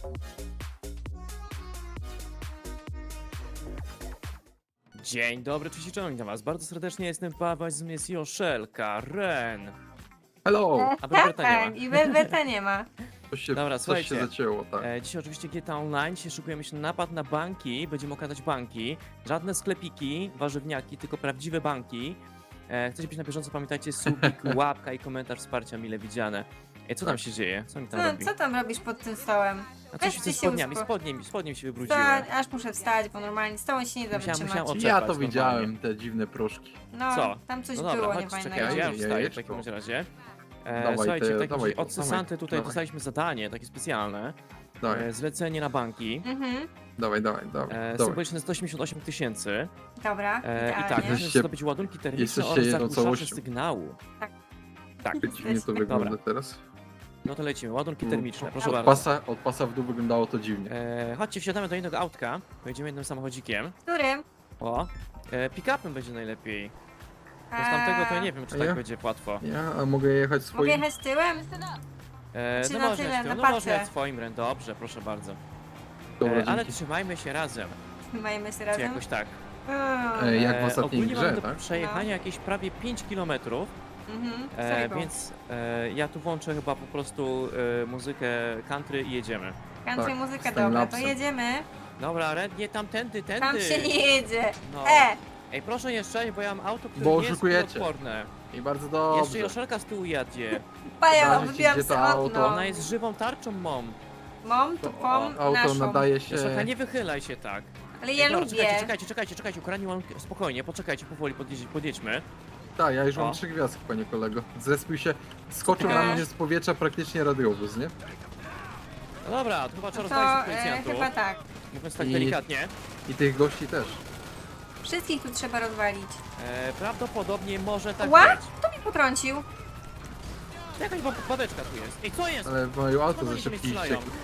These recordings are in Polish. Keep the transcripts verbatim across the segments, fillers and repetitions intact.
Dzień dobry, cześć i czołem, witam was bardzo serdecznie, jestem Paweł, z mnie jest Joszelka, Ren. Hello! A Berberta nie ma. I Berberta nie ma. Coś się, Dobra, coś słuchajcie. się zacięło, tak. E, dzisiaj oczywiście G T A Online, dzisiaj szykujemy się na napad na banki, będziemy okradać banki. Żadne sklepiki, warzywniaki, tylko prawdziwe banki. E, chcecie być na bieżąco, pamiętajcie, subik, łapka i komentarz wsparcia mile widziane. E, co tam się dzieje? Co mi tam Co, robi? co tam robisz pod tym stołem? A weź coś ty ze się spodniami, uspo- spodniem, spodniem się wybrudziłem. Wstać, aż muszę wstać, bo normalnie stołem się nie da Musiałam- wytrzymać. musiałam Ja oczekać to normalnie. widziałem, te dziwne proszki. No, Co? tam coś No dobra, było chodź, niefajnego. czekajcie, ja już Jajeczko. wstaję w takim bądź razie. E, Dawaj słuchajcie, te- w takim dawaj razie to, od Sesanty dawaj, tutaj dawaj. dostaliśmy zadanie, takie specjalne. Dawaj, E, zlecenie na banki. Mhm, dawaj, dawaj, dawaj. E, dawaj. symboliczne sto osiemdziesiąt osiem tysięcy. dobra, E, I tak, idealnie. musimy Jesteście- zdobyć ładunki termiczne jesteście oraz jedną zagłuszacze całością. sygnału. Tak. Tak, Dziwnie to wygląda Dobra. teraz. no to lecimy. Ładunki termiczne, proszę Od bardzo. pasa, od pasa w dół wyglądało to dziwnie. E, chodźcie, wsiadamy do innego autka. Pojedziemy jednym samochodzikiem. Którym? O, e, pick-upem będzie najlepiej. Bo z tamtego to ja nie wiem, czy A tak ja? będzie łatwo. Ja a mogę jechać Mogę swoim? jechać tyłem? E, Czy no na można tyle, jechać na tym, no można pace? jechać swoim, Ren, dobrze, proszę bardzo. Dobra, E, ale dzięki. trzymajmy się razem, Majmy się czy razem. jakoś tak. Mm, Ej, jak w E, ostatniej ogólnie grze, mamy do tak? przejechania jakieś prawie pięć kilometrów. Mhm, E, sorry, więc e, ja tu włączę chyba po prostu e, muzykę country i jedziemy. Country tak, muzyka, z dobra, to timelapsem. jedziemy. Dobra, Red, nie tamtędy, tędy. Tam się nie jedzie. No. E, Ej, proszę nie strzelać, bo ja mam auto, które Bo nie jest oszukujecie. odporne. I bardzo Jeszcze dobrze. Joszelka z tyłu jadzie. paja, Zależy ci, wybijam gdzie to sobie auto. okno. Ona jest żywą tarczą, mom. Mom, To tupą, auto naszą. nadaje się... Joszelka, nie wychylaj się tak. Ale ja Ej, dobra, lubię. Czekajcie, czekajcie, czekajcie, czekajcie, ukradnij ładunki. Spokojnie, poczekajcie, powoli podjedź, podjedźmy. Tak, ja już O. mam trzy gwiazdki, panie kolego. Zrespił się, skoczył Okej. na mnie z powietrza praktycznie radiowóz, nie? No dobra, to chyba trzeba To rozwalić tych e, policjantów. chyba tak. Mówiąc tak I- delikatnie. I tych gości też. Wszystkich tu trzeba rozwalić. E, prawdopodobnie może tak Ła? być. Kto mi potrącił? Jakaś ba- babeczka tu jest. Ej, co jest? Ale moje auto Skąd za oni tu mnie szybki strzelają? ściekł.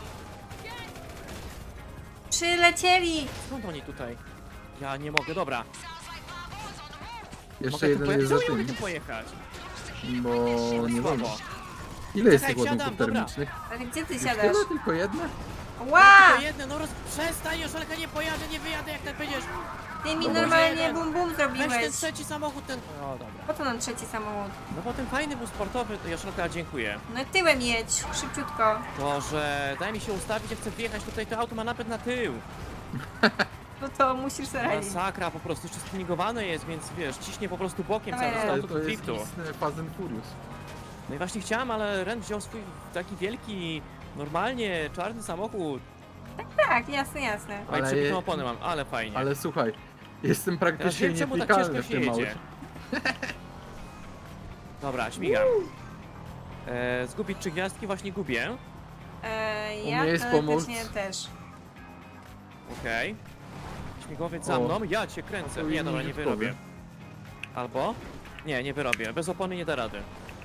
Przylecieli! Skąd oni tutaj? Ja nie mogę, dobra. Jeszcze mogę tu jeden pojechać? jest za Czemu nie mogę tym, tu pojechać? bo nie Słabo. wolno. Ile jest Czekaj, tych wsiadam, ładunków dobra. termicznych? Ale gdzie ty Już siadasz? tyle? Tylko jedne? Ła! To jedno, no roz... przestań, Joszelka, nie pojadę, nie wyjadę, jak tak będziesz. Ty mi Dobra. normalnie Jeden. bum bum Weź ten zrobiłeś. trzeci samochód, ten... O, dobra. Po co nam trzeci samochód? No bo ten fajny był sportowy, to Joszelka, dziękuję. No tyłem jedź, szybciutko. To, że daj mi się ustawić, jak chcę wjechać tutaj, to auto ma napęd na tył. No to musisz sobie radzić. Masakra, po prostu jeszcze spinningowane jest, więc wiesz, ciśnie po prostu bokiem Dawaj, cały czas Ale auto to do jest driftu. istny Fast and Furious. No i właśnie chciałem, ale Ren wziął swój taki wielki, normalnie czarny samochód. Tak, jasne, jasne. Oj, Ale przebitą je- oponę mam, ale fajnie. Ale słuchaj, jestem Teraz praktycznie wiem, czemu tak nietykalny ciężko w się tym jedzie. aucie. Dobra, śmigam. E, zgubić trzy gwiazdki, właśnie gubię. E, U ja mnie jest pomoc. teoretycznie też. Okej. Śmigłowiec za O. mną, ja cię kręcę. To Nie, inni dobra, nie dziadkowie. wyrobię. Albo? Nie, nie wyrobię. Bez opony nie da rady.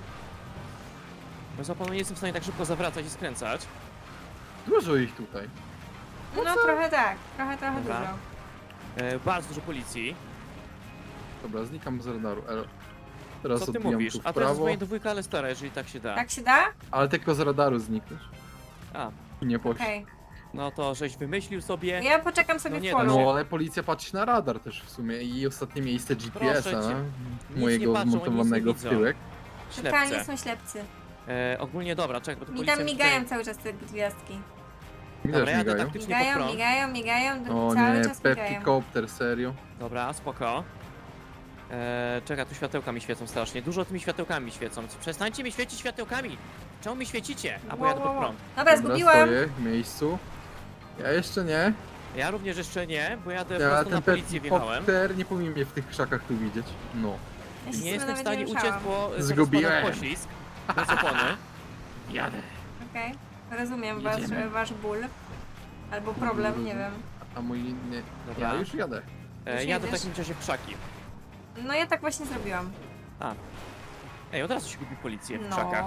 Bez opony nie jestem w stanie tak szybko zawracać i skręcać. Dużo ich tutaj. No trochę tak, trochę, trochę Dobra. dużo. E, bardzo dużo policji. Dobra, znikam z radaru. Elo. Teraz Co ty odbijam mówisz? tu w A teraz jest prawo, moje dwójka, ale stara, jeżeli tak się da. Tak się da? ale tylko z radaru znikniesz. A, I nie poszło. Okej. no to żeś wymyślił sobie. Ja poczekam sobie No w nie, polu. No ale policja patrzy na radar też w sumie i ostatnie miejsce G P S-a Proszę cię. Nic mojego nie patrzą, oni nic nie zmontowanego w widzą. tyłek. Totalnie Ślepce. są ślepcy. E, ogólnie dobra, czekaj, bo to Mi policja tam mi migają tutaj... cały czas te gwiazdki. Mi Dobra, też jadę migają. taktycznie pod Migają, prąd. migają, migają, O cały nie, czas migają. Pepikopter, serio? Dobra, spoko. Eee, czeka, tu światełka mi świecą strasznie. Dużo tymi światełkami świecą. Przestańcie mi świecić światełkami! Czemu mi świecicie? A bo jadę pod prąd. Dobra, Dobra, zgubiłam. stoję w miejscu. Ja jeszcze nie. Ja również jeszcze nie, bo jadę Ja prosto na ten policję wjechałem. Pepikopter nie powinien mnie w tych krzakach tu widzieć. No. Ja się Nie z tym jestem w nawet stanie nie uciec, ruszałam. bo zaraz Zgubiłem. spada poślizg. Bez opony. Jadę. Okej, rozumiem Jedziemy. wasz, wasz ból. Albo problem, nie wiem. A mój nie. Dobra. Ja już jadę. E, Już jadę w jedziesz? takim razie w krzaki. No ja tak właśnie zrobiłam. A. Ej, od razu się gubi policję w No. krzakach.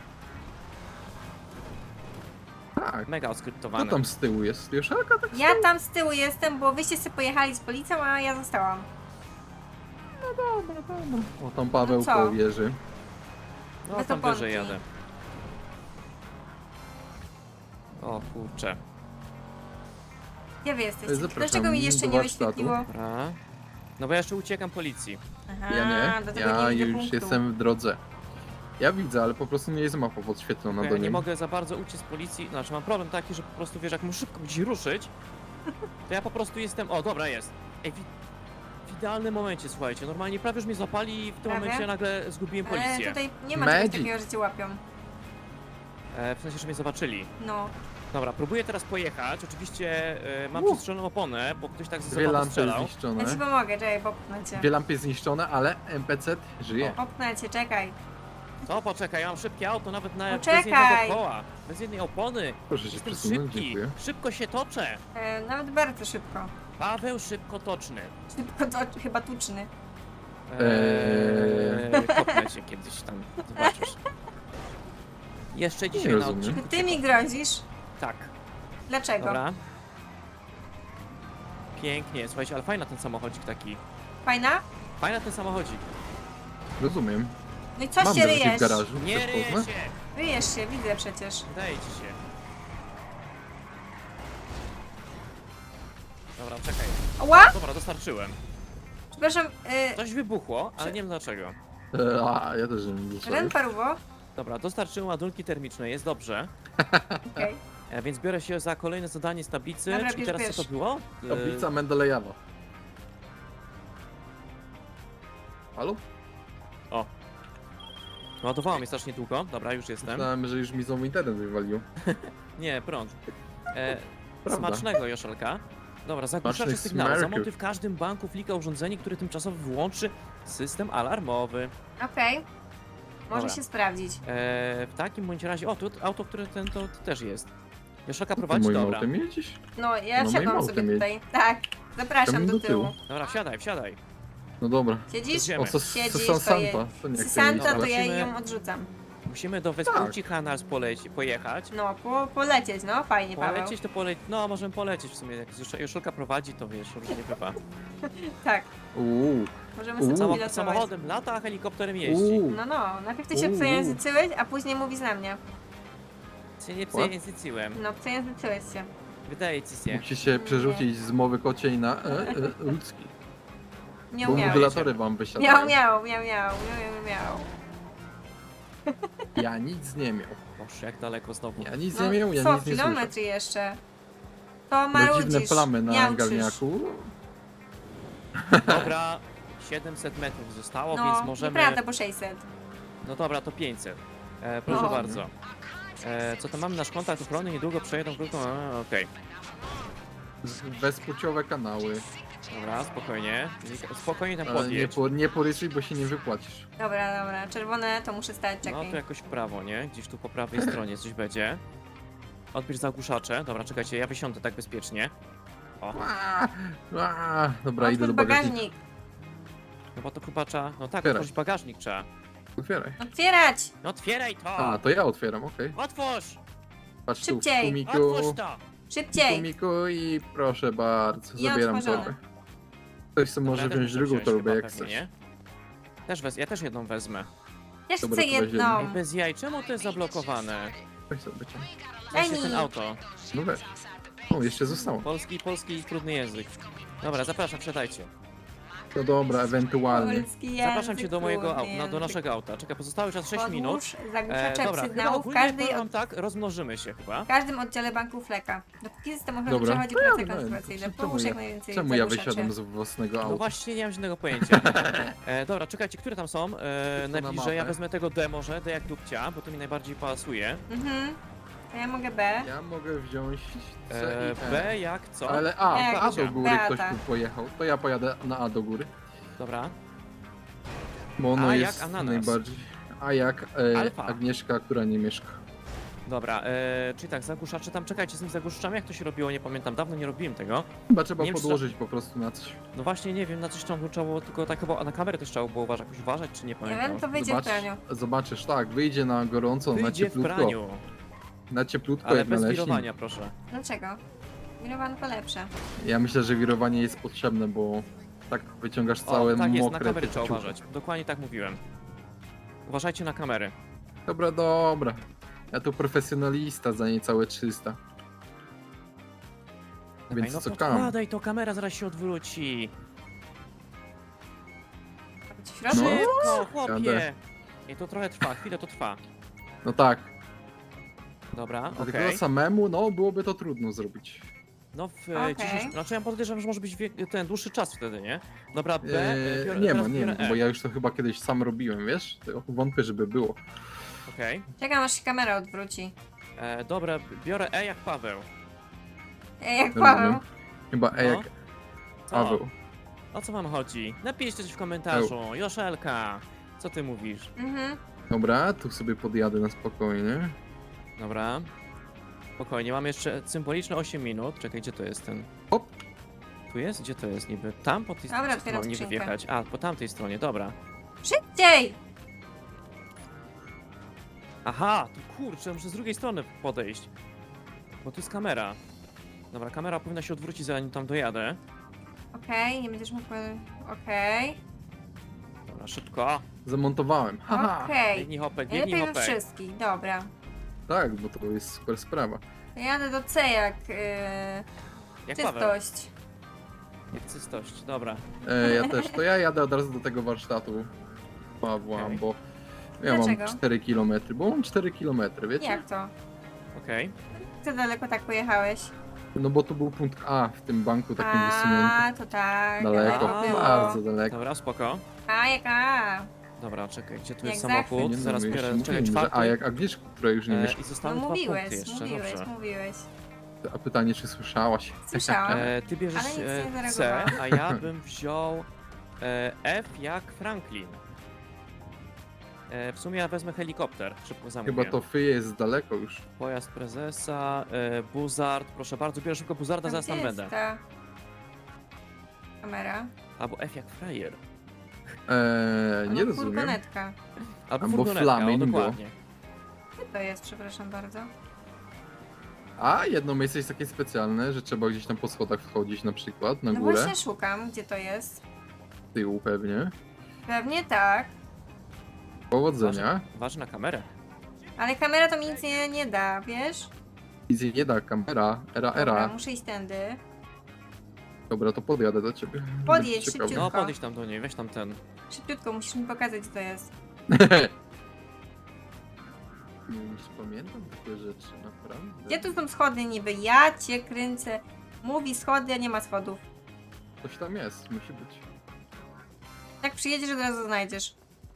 Tak. Mega Kto oskryptowane. tam z tyłu jest? Joszelka tak? Ja tam z tyłu jestem, bo wyście sobie pojechali z policją, a ja zostałam. Dobra, dobra. O, tam Paweł No co? po wieży. No bez tam oponki. wyżej jadę. O kurczę. Gdzie wy jesteście? Zapraszam Dlaczego mi jeszcze do nie warsztatu. wyświetliło? Dobra. No bo ja jeszcze uciekam policji. Aha, Ja nie, dlatego ja nie widzę już punktu. jestem w drodze. Ja widzę, ale po prostu nie jest mapa podświetlona Ja do nie niej. mogę za bardzo uciec z policji. Znaczy mam problem taki, że po prostu wiesz, jak muszę szybko gdzieś ruszyć, to ja po prostu jestem. O, dobra, jest. Ej, w, w idealnym momencie, słuchajcie. Normalnie prawie już mnie złapali i w tym Prawie? momencie nagle zgubiłem Ale policję. tutaj nie ma czegoś Magic. takiego, że cię łapią. E, w sensie, że mnie zobaczyli. No. Dobra, próbuję teraz pojechać. Oczywiście e, mam Uh. przestrzeloną oponę, bo ktoś tak ze Dwie sobą lampy strzelał. Ja ci zniszczone. pomogę, czekaj, popchnę cię. Dwie lampy zniszczone, ale N P C żyje. Popchnę cię, czekaj. No poczekaj, ja mam szybkie auto, nawet na bez Poczekaj. jednego koła. Bez jednej opony. Proszę się Jestem przesunąć, szybki. dziękuję. Szybko się toczę. E, nawet bardzo szybko. Paweł szybkotoczny. Szybko to chyba tuczny. Eee, kopnę cię kiedyś tam, zobaczysz. Jeszcze dzisiaj na rozumiem. odcinku. Ty, ty cię mi kopnę. grozisz? Tak, Dlaczego? dobra. Pięknie, słuchajcie, ale fajna ten samochodzik taki. Fajna? Fajna ten samochodzik. Rozumiem. No i co Mam się drzwi w ryjesz? garażu. Nie Chcesz ryję poznać? się! Ryjesz się, widzę przecież. Wydaje ci się. Dobra, czekaj. Ła! Dobra, dostarczyłem. Przepraszam, y, Coś wybuchło, ale nie wiem dlaczego. E, A, ja też nie muszę. Ren Parubo? Dobra, dostarczyłem ładunki termiczne, jest dobrze. Okej. E, więc biorę się za kolejne zadanie z tablicy. Dobra, Czyli bierz, teraz bierz. co to było? E, Tablica Mendelejewa. Halo? O. Ładowało mnie strasznie długo. Dobra, już jestem. Myślałem, że już mi znowu internet wywalił. Nie, prąd. E, Prawda. smacznego, Joszelka. Dobra, zagłuszacze Smacznych sygnału. smerków. Zamontuj w każdym banku flika urządzenie, które tymczasowo wyłączy system alarmowy. Okej. Może Dobra. się sprawdzić. E, w takim bądź razie... O, tu auto, które ten to, to też jest. Joszelka Ty prowadzi, moim dobra. autem jedziesz? No, ja No, wsiadłam moim sobie autem tutaj. Tak, zapraszam Tam do do tyłu. tyłu. Dobra, wsiadaj, wsiadaj. No dobra. Siedzisz? Jedziemy. O, co Siedzisz, z to Santa? je- To nie jak to Santa to Dobra. ja Musimy- ją odrzucam. Musimy do Vespucci Canals poleci, pojechać. No, po, polecieć, no, fajnie, Paweł. Polecieć to polecieć. No, możemy polecieć w sumie. Jak Joszel- Joszelka prowadzi, to wiesz, różnie bywa. Tak, Uuu. możemy Uuu. sobie Samo, pilotować. samochodem lata, a helikopterem jeździ. Uuu. No, no, najpierw ty się Uuu. przejęzyczyłeś, a później mówisz na mnie. Się nie What? przejęzyczyłem. No, przejęzyczyłeś się. Wydaje ci się. Musi się przerzucić z mowy kociej na e, e, ludzki. Miał, Bo miał. modulatory wam Miał, wysiadają. miał, miał, miał, miał, miał, miał. Ja nic nie miał. Boże, jak daleko znowu. Ja nic No, nie miał, ja co, nic nie słyszę. kilometr jeszcze? To No dziwne marudzisz, plamy na miałczysz. garniaku. Dobra, siedemset metrów zostało, No, więc możemy... nieprawda, po sześćset. No dobra, to pięćset. E, proszę No. bardzo. E, co tam mamy? Nasz kontakt ochrony niedługo przejedą krótką... A, okej. Z- Bezpłciowe kanały. Dobra, spokojnie. Spokojnie tam Ale nie, podjedź. po, nie porysuj, bo się nie wypłacisz. Dobra, dobra, czerwone to muszę stać, No czekaj. to jakoś w prawo, nie? Gdzieś tu po prawej stronie coś będzie. Odbierz zagłuszacze. Dobra, czekajcie, ja wysiądę tak bezpiecznie. O, Aaaa, aaaa. Dobra, idę Otwórz do bagażnika. bagażnik. chyba to chyba trzeba... No tak, Otwieraj. otworzyć bagażnik trzeba. Otwieraj. Otwierać! No otwieraj to! A, to ja otwieram, okej. Otwórz! Patrz tu, Szybciej. kumiku, Otwórz to! Szybciej! kumiku i proszę bardzo, I zabieram otworzone. torbę. Ktoś sobie może Dobra, ja też wziąć muszę drugą wziąć torbę, chyba jak pewnie, chcesz. nie? Też wez... Ja też jedną wezmę. Też Dobra, chcę to weź jedną. Ej, bez jaj, czemu to jest zablokowane? Weź sobie cię. Właśnie Daj mi. ten auto. No weź. O, jeszcze zostało. Polski, polski trudny język. Dobra, zapraszam, wsiadajcie. To dobra, ewentualnie. Polski język, Zapraszam cię do mojego trudny auta, no, do język. naszego auta. Czekaj, pozostały czas sześć minut. Podłóż zagłuszacze E, dobra, chyba sygnału w, ogólnie każdej, powiem od, wam tak, rozmnożymy się chyba. w każdym oddziale banku Fleka. Dopóki system ochrony Dobra, przechodzi to ja pracę wiem, konserwacyjną, czemu połóż ja- jak najwięcej Czemu ja zagłuszaczy. wysiadam z własnego No auta? właśnie, nie mam żadnego pojęcia. E, dobra, czekajcie, które tam są? E, na najbliżej, ja mapę. wezmę tego D może, D jak dupcia, bo to mi najbardziej pasuje. Mhm. To ja mogę B. Ja mogę wziąć C E, i E. B jak co? Ale A, Jak A do powiedziałem. góry ktoś Beata. tu pojechał. To ja pojadę na A do góry. Dobra. Bo ono A jak jest ananas. najbardziej... A jak e, Alfa. Agnieszka, która nie mieszka. Dobra, e, czyli tak, zagłuszacze tam, czekajcie, z tymi zagłuszaczami jak to się robiło, nie pamiętam, dawno nie robiłem tego. Chyba trzeba Nie wiem, czy to- podłożyć po prostu na coś. No właśnie, nie wiem, na coś tam trzeba było, tylko tak chyba na kamerę też trzeba było uważać, jakoś uważać, czy nie Nie pamiętam. wiem, to wyjdzie w Zobacz, praniu. zobaczysz, tak, wyjdzie na gorąco, na Wyjdzie w cieplutko. praniu, Na cieplutko ale jak bez naleśnik. wirowania, proszę. Dlaczego? Mirowanko lepsze. Ja myślę, że wirowanie jest potrzebne, bo tak wyciągasz całe O, tak jest, na mokre kamery te trzeba ciuchy. uważać. Dokładnie tak mówiłem. Uważajcie na kamery. Dobra, dobra. Ja tu profesjonalista za niecałe trzysta. Dawaj, Więc no co kam? podkładaj, to kamera zaraz się odwróci. Być w środku? No. Szybko, chłopie. Jadę. I to trochę trwa, chwilę to trwa. No tak. Dobra, Dlatego okej. samemu, no byłoby to trudno zrobić. No w Okej. dzisiejszym... Znaczy ja podejrzewam, że może być wie... ten dłuższy czas wtedy, nie? Dobra, B, Eee, biorę, nie ma, teraz nie ma, biorę E. bo ja już to chyba kiedyś sam robiłem, wiesz? To wątpię, żeby było. Okej. Czekam aż się kamera odwróci. E, Dobra, biorę E jak Paweł. Ej, jak Dobra, Paweł. no. Chyba E No. jak Co? Paweł. O co wam chodzi? Napiszcie coś w komentarzu. Joszelka, co ty mówisz? Mhm. Dobra, tu sobie podjadę na spokojnie. Dobra. Spokojnie, mam jeszcze symboliczne osiem minut. Czekaj, gdzie to jest ten... Hop. Tu jest? Gdzie to jest niby? Tam po tej Dobra, stronie otwieram niby skrzynkę. wjechać. A, po tamtej stronie, dobra. Szybciej! Aha, tu kurczę, muszę z drugiej strony podejść. Bo tu jest kamera. Dobra, kamera powinna się odwrócić, zanim tam dojadę. Okej, nie będziesz mógł... Okej. Dobra, szybko. Zamontowałem. Haha. Okej. Biegnij hopek, Najlepiej biegnij we hopek. wszystkich, dobra. Tak, bo to jest super sprawa. To jadę do C jak yy, Jak Paweł. czystość. Jak czystość, dobra. E, ja też. To ja jadę od razu do tego warsztatu Pawła, Okej. bo ja Dlaczego? mam cztery kilometry, bo mam cztery kilometry, wiecie? Jak to? Okej. Co daleko tak pojechałeś? No bo to był punkt A w tym banku takim wysuniętym. A, to tak. Daleko, daleko było. bardzo daleko. Dobra, spoko. A, jak A. Dobra, czekaj, gdzie tu Jak jest zawsze. samochód? Nie, no, Zaraz jeszcze biorę, czekaj, mówiłem, że czwarty. A jak Agnieszka, która już nie E, wiesz. I No zostały dwa mówiłeś, punkty jeszcze, mówiłeś, dobrze. mówiłeś. A pytanie, czy słyszałaś? Słyszałam. E, ty bierzesz Ale nic nie e, C, zareagowałam. a ja bym wziął e, F jak Franklin. E, w sumie ja wezmę helikopter, szybko zamówię. Chyba to Fyje jest daleko już. Pojazd prezesa, e, Buzard, proszę bardzo, biorę szybko Buzarda, Tam zaraz tam gdzie jest będę. ta kamera? Albo F jak frajer. Eee, nie Albo rozumiem. furgonetka. Albo, Albo furgonetka, o, flamingo. dokładnie. Gdzie to jest, przepraszam bardzo? A jedno miejsce jest takie specjalne, że trzeba gdzieś tam po schodach wchodzić na przykład, na No górę, właśnie szukam, gdzie to jest. z tyłu pewnie. Pewnie tak. Powodzenia. Ważna kamera. Ale kamera to mi nic nie, nie da, wiesz? Nic jej nie da, kamera, era, Dobra, era. muszę iść tędy. Dobra, to podjadę do ciebie. Podjedź, Będzie ciekawe. szybciutko. No, podejdź tam do niej, weź tam ten. Szybciutko, musisz mi pokazać, gdzie to jest. Nie wiem, czy pamiętam takie rzeczy, naprawdę. Gdzie tu są schody niby? Ja cię kręcę. Mówi schody, a nie ma schodów. Coś tam jest, musi być. Jak przyjedziesz, od razu znajdziesz.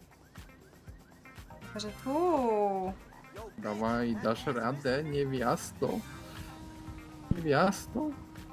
Że tu. Dawaj, dasz radę, niewiasto. Niewiasto?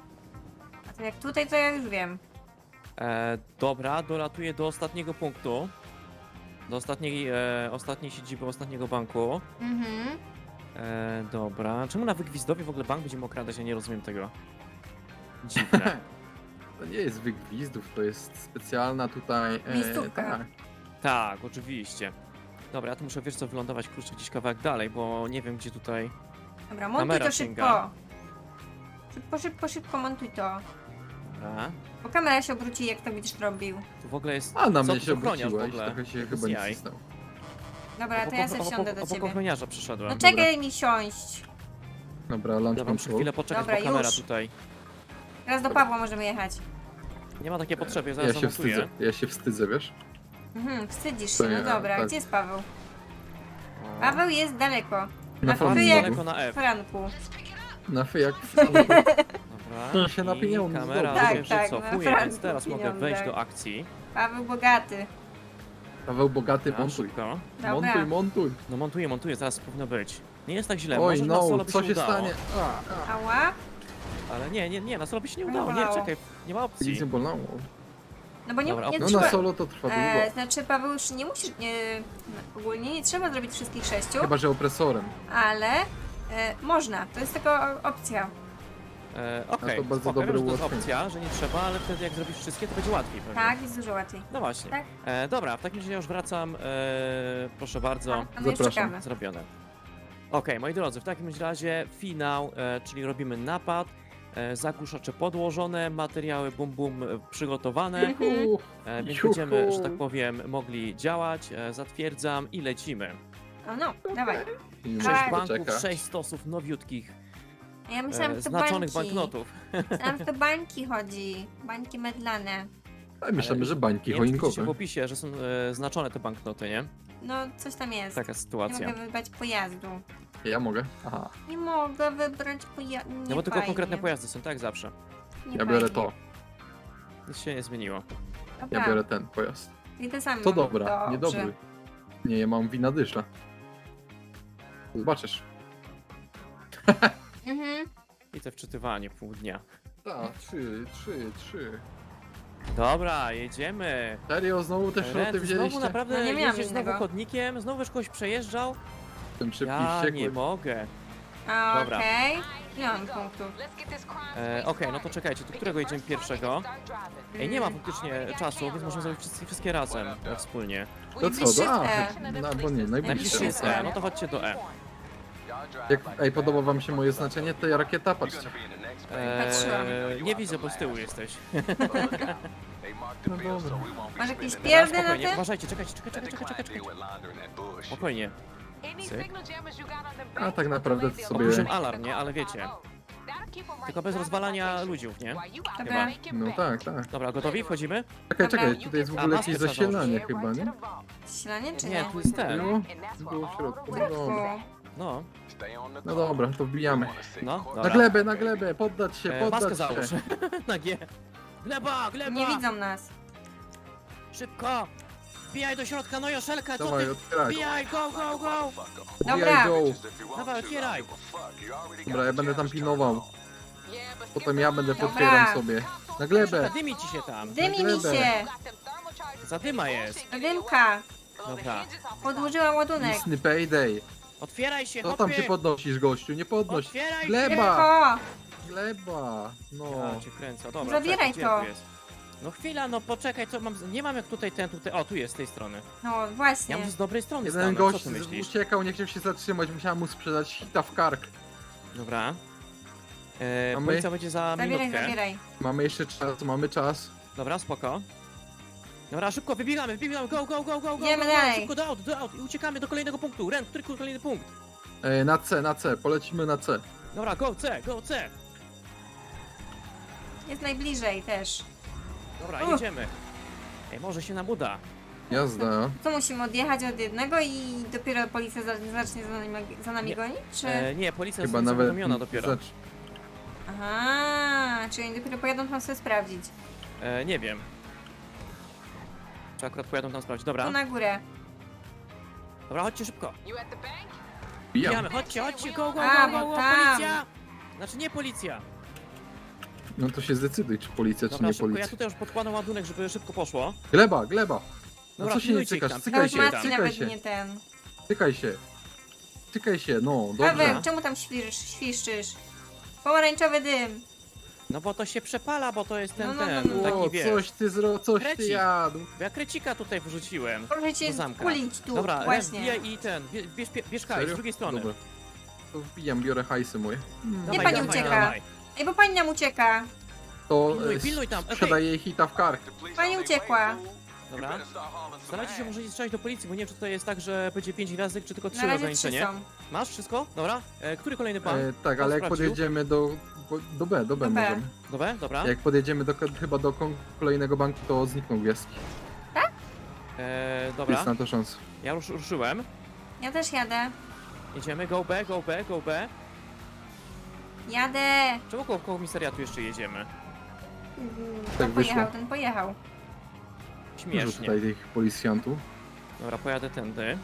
A to jak tutaj, to ja już wiem. E, dobra, dolatuję do ostatniego punktu. Do ostatniej, e, ostatniej siedziby ostatniego banku. Mhm. E, dobra. Czemu na Wygwizdowie w ogóle bank będziemy okradać? Ja nie rozumiem tego. Dziwne. To nie jest wygwizdów, to jest specjalna tutaj... E, Miejscówka. tak. Tak, oczywiście. Dobra, ja tu muszę, wiesz co, wylądować kurczę gdzieś kawałek dalej, bo nie wiem gdzie tutaj... Dobra, montuj Kamera to sięga. szybko. Szybko, szybko, szybko montuj to. Dobra. Bo kamera się obróci, jak to będziesz robił. Tu w ogóle jest... A na co mnie tu się ochroniarz w obróciłeś, ogóle? trochę się Bez chyba nie jaj. cisnął. Dobra, to ja sobie wsiądę do obok ciebie. ochroniarza przyszedłem. No czekaj mi siąść. Dobra, lunch Dobra, muszę control. chwilę poczekać, Dobra, bo kamera już. tutaj... Teraz do Pawła możemy jechać. Nie ma takiej potrzeby, ja Ja zaraz się zamontuję. wstydzę, ja się wstydzę, wiesz? Mhm, wstydzisz To się, no ja, dobra. tak. Gdzie jest Paweł? O. Paweł jest daleko. Na Na flanku. F jak Daleko na F. Franku. Na fy jak... Dobra. się na I pieniądze kamera zdobył. się Tak, tak, wycofuje, na więc teraz franku mogę wejść pieniądze. do akcji. Paweł bogaty. Paweł bogaty, A, montuj. szybko. Dobra. Montuj, montuj. No montuję, montuję, zaraz powinno być. Nie jest tak źle, Oj, może na solo no, by co się się udało. stanie? A, a. Ała? Ale nie, nie, nie, na solo by się nie Nie udało, nie, bolało. czekaj, nie ma opcji. Nic nie bolało. No bo nie, Dobra, nie No trzeba... na solo to trwa E, długo. znaczy Paweł już nie musisz... Nie, no, ogólnie nie trzeba zrobić wszystkich sześciu, Chyba, że opresorem. ale e, można. To jest tylko opcja. E, Okej, to bardzo spoko, dobre wiem, że to jest ułatwienie. opcja, że nie trzeba, ale wtedy jak zrobisz wszystkie, to będzie łatwiej pewnie. Tak, jest dużo łatwiej. No właśnie. Tak. E, dobra, w takim razie ja już wracam, e, proszę bardzo. A, a my już Zapraszam. czekamy. Zrobione. Okej, moi drodzy, w takim razie finał, e, czyli robimy napad, e, zagłuszacze podłożone, materiały bum bum e, przygotowane, Juhu. e, więc Juhu. będziemy, że tak powiem, mogli działać, e, zatwierdzam i lecimy. O no, dawaj. I Tak. Sześć mnie banków, czeka. sześć stosów nowiutkich. Ja myślałam, e, że to znaczonych bańki. banknotów. Myślałam, że to bańki chodzi. Bańki medlane. Ale myślimy, że bańki Nie wiem, czy widzicie w choinkowe. opisie, że są e, znaczone te banknoty, nie? No, coś tam jest. Taka Nie sytuacja. mogę wybrać pojazdu. Ja mogę? Aha, Nie mogę wybrać pojazdu. No bo tylko konkretne pojazdy są, tak zawsze. ja biorę to. Nic się nie zmieniło. Dobra. Ja biorę ten pojazd. I te same To mam. dobra, Dobrze. niedobry. Nie, ja mam wina dysza. Zobaczysz. Mhm. I te wczytywanie pół dnia. Tak, trzy, trzy, trzy. Dobra, jedziemy. Serio, znowu te Ren, szroty ty wzięliście? znowu naprawdę No nie miałam jeździsz znowu innego. chodnikiem, znowu już kogoś przejeżdżał? Ten szybki Ja wściekły. nie mogę. A, Dobra. Okej. Ile mam punktów? E, Okej, no to czekajcie, do którego jedziemy pierwszego? Ej, nie ma faktycznie czasu, więc możemy zrobić wszystkie, wszystkie razem, e, wspólnie. To co, Najbliższy do A? E. No, bo nie, Najbliższy najbliższy. jest E, no to chodźcie do E. Jak, ej, podoba wam się moje znaczenie? To ja rakieta, patrzcie. Patrzyłam. E, nie widzę, bo z tyłu jesteś. No dobra. Masz jakieś Dobra, pierdy na spokojnie, tym? uważajcie, czekajcie, czekaj, czekaj, czekaj, czekaj, czekaj. Spokojnie. A tak naprawdę to sobie... Opuszczam alarm, nie? Ale wiecie. Tylko bez rozwalania ludziów, nie? Dobra. No tak, tak. Dobra, gotowi? Wchodzimy? Czekaj, Dobra. czekaj, tutaj jest w A, ogóle maskę jakieś trzeba zasilanie chyba, nie? Silanie czy Nie, nie? tu jest ten. Było? Było w środku, no dobra. No, No dobra, to wbijamy. no, Na dobra. glebę, na glebę, poddać się, E, maskę poddać załóż. się. Na G. Gleba, gleba! Nie widzą nas. Szybko! Wbijaj do środka, no Joszelka, co Dawaj, ty? otwieraj. Wbijaj, go, go, go! Dobra. Wbijaj, go. Dawaj, otwieraj! Dobra, ja będę tam pilnował. Potem ja będę Dobra. potwieram sobie. Na glebę. Zadymi ci się tam. Dymi mi glebę. się. Zadyma jest. Dymka. Dobra. Podłożyłam ładunek. Disney Payday. Otwieraj się, Co tam hopy! się podnosisz, gościu? Nie podnoś. Otwieraj Gleba. Tylko. Gleba. No. Ja cię kręcę, dobra. Zabieraj czekaj, gdzie to. tu jest? No chwila, no poczekaj, co mam... z- Nie mam jak tutaj ten, tutaj... O, tu jest, z tej strony. No Ja właśnie. muszę z dobrej strony Jeden stanąć, co gość ty myślisz? uciekał, nie chciał się zatrzymać, musiałem mu sprzedać hita w kark. Dobra. E, A my? policja będzie za Zabieraj, minutkę. zabieraj. Mamy jeszcze czas, mamy czas. Dobra, spoko. Dobra, szybko, wybiegamy, wybiegamy, go, go, go, go, go, Idziemy go, go, dalej. szybko do aut, do aut i uciekamy do kolejnego punktu. Ren, który kolejny punkt? E, na C, na C, polecimy na C. Dobra, go C, go C. Jest najbliżej też. Dobra, Uff. jedziemy. Ej, może się nam uda. Jazda. Co musimy odjechać od jednego i dopiero policja za- zacznie za nami, za nami Nie. gonić? Czy... E, nie, policja Chyba jest nawet... zawiadomiona dopiero. Zacz... Aha, czyli oni dopiero pojadą tam sobie sprawdzić. E, nie wiem. Czy akurat pojadą tam sprawdzić. Dobra, Tu na górę. dobra, chodźcie szybko. Bijam. Bijamy, chodźcie, chodźcie, go, go, A, go, go, bo go, tam. policja! Znaczy nie policja. No to się zdecyduj, czy policja, czy Dobra, nie szybko, ja policja. tutaj już podkładam ładunek, żeby szybko poszło. Gleba, gleba. No Dobra, co się nie pilnujcie ich cykasz? tam, Cykaj Nawet się, pilnujcie Maciej tam. cykaj nawet się, nie ten. cykaj się. Cykaj się, no, dobrze. Paweł, czemu tam świrz, świszczysz? Pomarańczowy dym. No bo to się przepala, bo to jest ten, No, no, ten, no, no. O, taki wiesz. coś ty zro... coś ty Krecik. jadł. Bo ja krecika tutaj wrzuciłem. Proszę cię Do zamka. kulić tu, Dobra, Ren, właśnie. wbijaj i ten, bie- bierz, bierz, bierz hajs z Serio? drugiej strony. Dobra. To wbijam, biorę hajsy moje. Dawaj, pani dawaj, ucieka. dawaj. Ej, bo pani nam ucieka. To Pilnuj, e, pilnuj tam, okej. sprzedaję jej hita w kark. Pani uciekła. Dobra. Starajcie się może nie strzelać do policji, bo nie wiem, czy to jest tak, że będzie pięć gwiazdek, czy tylko trzy Na razie trzy ograniczenie. są. Masz wszystko? Dobra. E, który kolejny pan? E, tak, ale jak sprawdził? podjedziemy do, bo- do B, do B Do B. możemy. Dobra, dobra. Jak podjedziemy do, chyba do kon- kolejnego banku, to znikną gwiazdki. E, dobra, Jest na to szansa. ja już ruszyłem. Ja też jadę. Jedziemy, go B, go B, go B. Jadę. Czemu koło komisariatu jeszcze jedziemy? Mm, Tak Ten wyszło. pojechał, ten pojechał. Dużo Śmiesznie. tutaj tych policjantów. Dobra, pojadę tędy.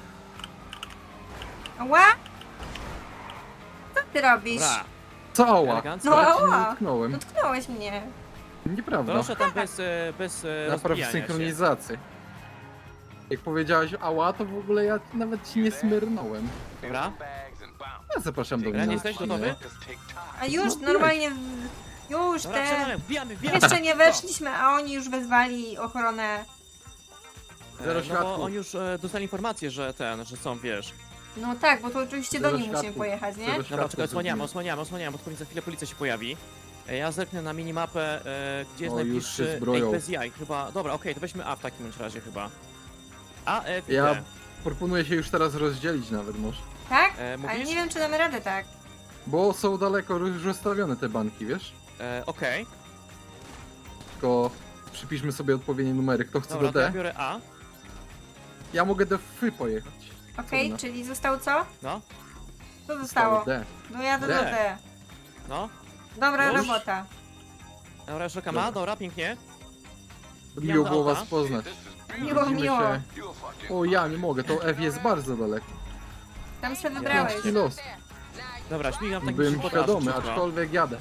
Ała! Co ty robisz? Dobra, Co ała? elegancko. No, Ja cię nie ała. dotknąłem. Dotknąłeś mnie. Nieprawda. Proszę tam bez, e, bez e, Napraw rozbijania się. synchronizację. Jak powiedziałaś ała, to w ogóle ja nawet ci nie smyrnąłem. Dobra, Ja zapraszam do mnie. Ren, na jesteś odcinek. gotowy? A już No, normalnie... w- Już Dobra, te... wsiadamy, wbijamy, wbijamy. Jeszcze nie weszliśmy, a oni już wezwali ochronę. Zero E, no światłów. bo oni już e, dostali informację, że ten, że są, wiesz. No tak, bo to oczywiście do Zero nich musimy światłów. pojechać, nie? Zero Dobra, światłów czekaj, osłaniamy, zrobimy. osłaniamy, osłaniamy, bo pewnie za chwilę policja się pojawi. E, Ja zerknę na minimapę, e, gdzie jest O, już się najbliższy... zbroją. Ej, bez jaj, chyba... Dobra, okej, to weźmy A w takim bądź razie chyba. A, F i Ja D. proponuję się już teraz rozdzielić nawet może. Tak? E, Ale mówisz? nie wiem, czy damy radę tak. Bo są daleko już rozstawione te banki, wiesz? E, Okej, Tylko przypiszmy sobie odpowiednie numery. Kto chce dobra, do to ja D? biorę A. Ja mogę do F pojechać. Okej, Trudno. czyli zostało co? No, Co zostało? D. No jadę D. do D. no. Dobra Już? robota. Dobra, już czekam A, Dobra. dobra, pięknie. Miło do było auta. was poznać. Miło, Widzimy miło. się. O, ja nie mogę, to F jest bardzo daleko. Tam sobie Ja wybrałeś. Pięć los. Dobra, śmigam w takim Byłem szybkotrażu świadomy, szybko. aczkolwiek jadę.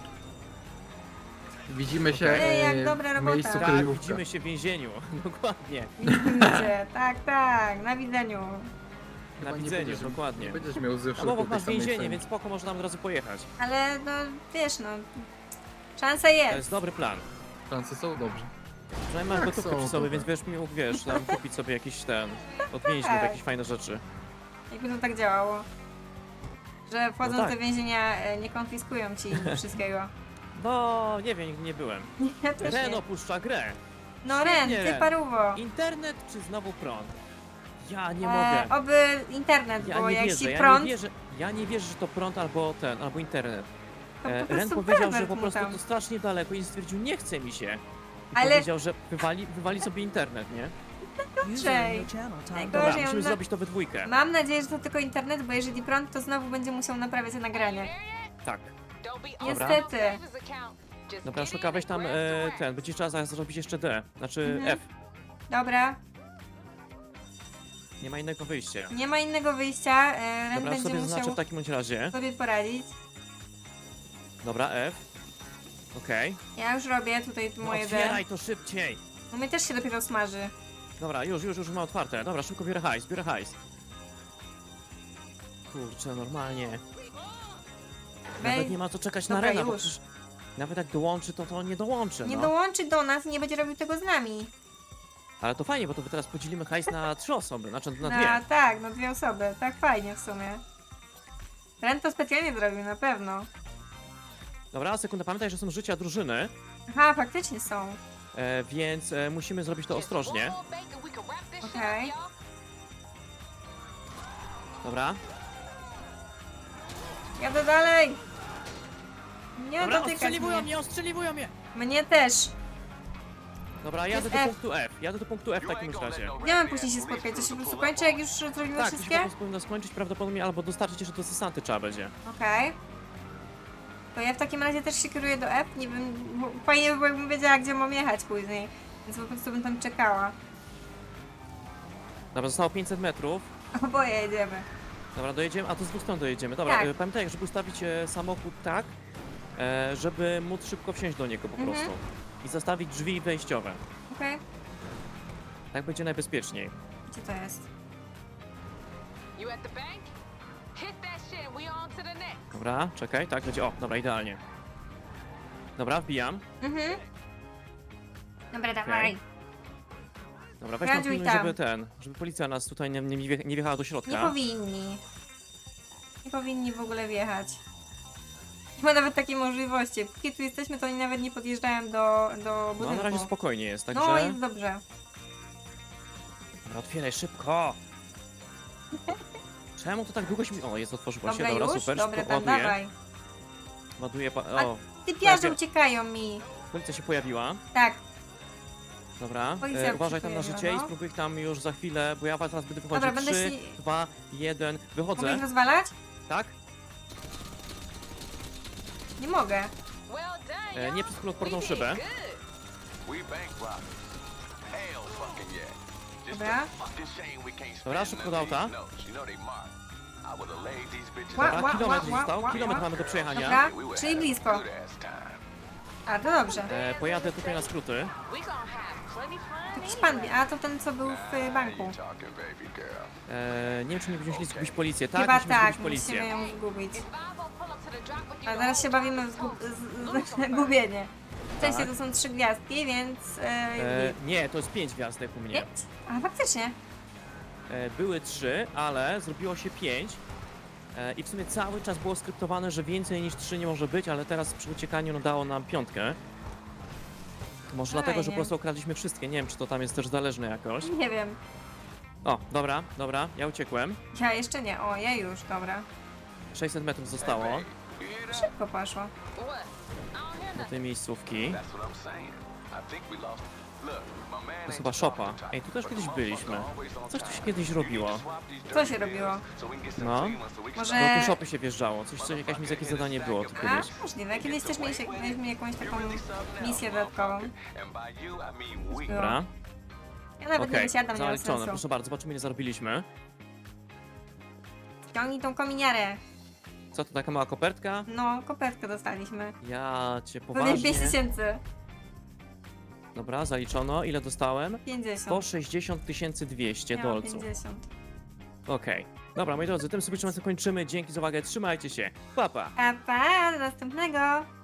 Widzimy się Ej, jak e, dobra w robota. miejscu Tak, kryjówka. widzimy się w więzieniu. Dokładnie. Widzę, tak, tak, na widzeniu. Na Chyba nie widzeniu, będziesz- dokładnie. Nie będziesz miał ze Tam obok wszelką tej masz samej więzienie, ceny. więc spoko, można tam od razu pojechać. Ale no, wiesz no, szansa To jest. jest dobry plan. Szanse są dobrze. Przynajmniej masz Tak, gotówkę są przy sobie, dobre. więc wiesz, mi mógł, wiesz, tam kupić sobie jakiś ten, od więźniów, Tak. jakieś fajne rzeczy. Jakby to tak działało. Że wchodząc No tak. do więzienia e, nie konfiskują ci wszystkiego. No, nie wiem, nigdy nie byłem. Ja też Ren nie. opuszcza grę. No Ren, Świetnie, ty Ren. paruwo. Internet czy znowu prąd? Ja nie E, mogę. oby internet, Ja bo nie jak wierzę, ci ja prąd, nie wierzę, ja nie wierzę, że to prąd albo ten, albo internet. to E, po Ren prostu powiedział, że pervert po mu prostu tam. to strasznie daleko i stwierdził, nie chce mi się. I Ale- powiedział, że wywali, wywali sobie internet, nie? Czej. Dobra, Najgorzej, musimy on na... zrobić to we dwójkę. Mam nadzieję, że to tylko internet, bo jeżeli prąd, to znowu będzie musiał naprawiać nagranie. Tak. Niestety. Dobra, Szuka, weź tam e, ten, będzie trzeba zaraz zrobić jeszcze D, znaczy Mhm. F. Dobra, Nie ma innego wyjścia. nie ma innego wyjścia. e, Ren Dobra, będzie sobie zaznaczę musiał w takim bądź razie. sobie poradzić. Dobra, F. Okej. Ja już robię tutaj No, moje D. otwieraj to szybciej. U mnie też się dopiero smaży. Dobra, już, już, już ma otwarte. Dobra, szybko biorę hajs, biorę hajs. Kurczę, normalnie. Nawet Wej- nie ma co czekać Dobra, na Rena, bo już. przecież nawet jak dołączy, to to nie dołączy, Nie no. dołączy do nas i nie będzie robił tego z nami. Ale to fajnie, bo to teraz podzielimy hajs na trzy osoby, znaczy na Na, dwie. tak, na dwie osoby. Tak fajnie w sumie. Ren to specjalnie zrobił, na pewno. Dobra, sekundę, pamiętaj, że są życia drużyny, Aha, faktycznie są. e, więc e, musimy zrobić to ostrożnie. Okej. Dobra. Jadę dalej. Nie Dobra, dotykać ostrzeliwują mnie. mnie, ostrzeliwują mnie! Mnie też. Dobra, jadę jest do F. punktu F. Jadę do punktu F w takim razie. Gdzie mamy później się spotkać? To się po prostu kończy, jak już zrobimy Tak, to się wszystkie? po prostu powinno skończyć prawdopodobnie, albo dostarczyć jeszcze do Sesanty trzeba będzie. Okej. To ja w takim razie też się kieruję do F. Nie wiem, bo fajnie by było, jakbym wiedziała, gdzie mam jechać później. Więc po prostu bym tam czekała. Dobra, zostało pięćset metrów. Oboje jedziemy. Dobra, dojedziemy, a to z dwóch stron dojedziemy. Dobra, Tak. e, pamiętaj, żeby ustawić e, samochód tak, e, żeby móc szybko wsiąść do niego po Mhm. prostu. I zostawić drzwi wejściowe. Okej. Tak będzie najbezpieczniej. Gdzie to jest? You at the bank? Hit that shit. We on to the next. Dobra, czekaj, tak będzie. O, dobra, idealnie. Dobra, wbijam. Mhm. Dobra, dawaj. Dobra, weź tam Radziuj pilnuj, tam. żeby ten, żeby policja nas tutaj nie, nie, wje- nie wjechała do Nie środka. powinni. Nie powinni w ogóle wjechać. Nie ma nawet takiej możliwości. Póki tu jesteśmy, to oni nawet nie podjeżdżają do, do No, budynku. na razie spokojnie jest, także... No, jest dobrze. Dobra, otwieraj szybko! Czemu to tak długo się... O, jest, otworzyła Dobra, się, dobra, już? super, Dobra, szybko tam ładuję. dawaj. Ładuję, pa... A- o, Typiarze Dobra. uciekają mi. policja się pojawiła. Tak, Dobra, Policja e, uważaj tam na przyjęła, życie i no. spróbuj ich tam już za chwilę, bo ja teraz będę wychodził. Dobra, będę trzy, się- dwa, jeden, mogę wychodzę, ich rozwalać? tak? Nie mogę. Well done, E, y'all. nie przez kuloodporną We did szybę. good. We bank robbers. Hell fucking yeah. Just Dobra. a fucking shame we can't Dobra, spend szybko none do of auta. these notes. You know they marked. I would've laid these bitches Ła- out. Dobra, ła- kilometr ła- został, ła- kilometr ła. mamy do przejechania. Dobra, We would czyli have a blisko. good ass time. A, to dobrze. E, pojadę tutaj na skróty. We gonna have plenty fun. Jakiś pan, a to ten, co był w y, Now banku. you talking, baby girl. E, nie wiem, czy nie będziemy musieli zgubić policję. Tak, Chyba musimy tak, zgubić policję. musimy ją zgubić. If Bobo pull up to the drop with you, A teraz się bawimy w zgub z, z, gubienie. Wcześniej Tak. to są trzy gwiazdki, więc... E, E, nie, to jest pięć gwiazdek u mnie. pięć? A, faktycznie. E, były trzy, ale zrobiło się pięć. E, I w sumie cały czas było skryptowane, że więcej niż trzy nie może być, ale teraz przy uciekaniu no, dało nam piątkę. Może dlatego, że po Fajnie. prostu okradliśmy wszystkie. Nie wiem, czy to tam jest też zależne jakoś. Nie wiem. O, dobra, dobra, ja uciekłem. Ja jeszcze nie. O, ja już, dobra. sześćset metrów zostało You hear that? Szybko poszło. What? I don't hear do nothing. tej miejscówki. That's what I'm saying. I think we lost. Look, my man To jest ain't chyba the szopa. talking type, Ej, tu też but kiedyś the byliśmy. motherfucker always on Coś tu się time. kiedyś robiło. Swap these Co się dirty robiło? bills so we can get some No. clean so we can Może- Do Eee. tej szopy się wjeżdżało. Coś, coś jakieś, jakieś zadanie było tu A, kiedyś. możliwe. Kiedyś też mieliśmy, mieliśmy jakąś taką really something else, misję dodatkową. motherfucker. And by you, I mean we. Było. Dobra, Ja nawet nie okej. wysiadam, nie ma Zaliczone, sensu. proszę bardzo, zobaczymy ile zarobiliśmy. Ściągnij tą kominiarę. Co to, taka mała kopertka? No, kopertkę dostaliśmy. Ja cię Pewnie poważnie. pięć tysięcy. Dobra, zaliczono. Ile dostałem? sto pięćdziesiąt. sześćdziesiąt tysięcy dwieście Miałam dolców. pięćdziesiąt. Okej. Dobra, moi drodzy, tym sobie kończymy. Dzięki za uwagę, trzymajcie się. Pa, pa! Pa, pa, do następnego.